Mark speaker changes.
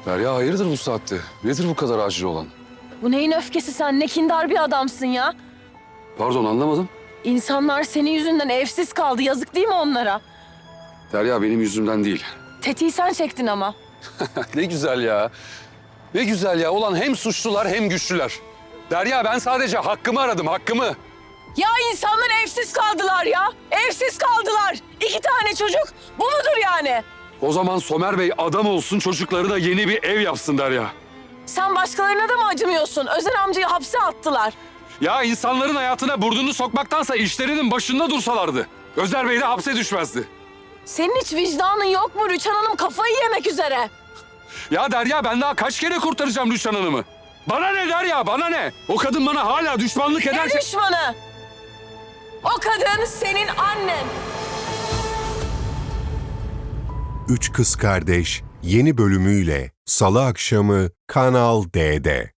Speaker 1: Derya hayırdır bu saatte? Nedir bu kadar acil olan?
Speaker 2: Bu neyin öfkesi sen? Ne kindar bir adamsın ya.
Speaker 1: Pardon anlamadım.
Speaker 2: İnsanlar senin yüzünden evsiz kaldı. Yazık değil mi onlara?
Speaker 1: Derya benim yüzümden değil.
Speaker 2: Tetiği sen çektin ama.
Speaker 1: Ne güzel ya. Ne güzel ya. Ulan hem suçlular hem güçlüler. Derya ben sadece hakkımı aradım, hakkımı.
Speaker 2: Ya insanlar evsiz kaldılar ya. Evsiz kaldılar. 2 tane çocuk. Bu mudur yani?
Speaker 1: O zaman Somer Bey adam olsun, çocuklarına yeni bir ev yapsın Derya.
Speaker 2: Sen başkalarına da mı acımıyorsun? Özer amcayı hapse attılar.
Speaker 1: Ya insanların hayatına burnunu sokmaktansa işlerinin başında dursalardı. Özer Bey de hapse düşmezdi.
Speaker 2: Senin hiç vicdanın yok mu? Rüçhan Hanım kafayı yemek üzere.
Speaker 1: Ya Derya ben daha kaç kere kurtaracağım Rüçhan Hanım'ı? Bana ne Derya, bana ne? O kadın bana hala düşmanlık
Speaker 2: Ne
Speaker 1: ederse...
Speaker 2: düşmanı? O kadın senin annen.
Speaker 3: Üç Kız Kardeş yeni bölümüyle Salı akşamı Kanal D'de.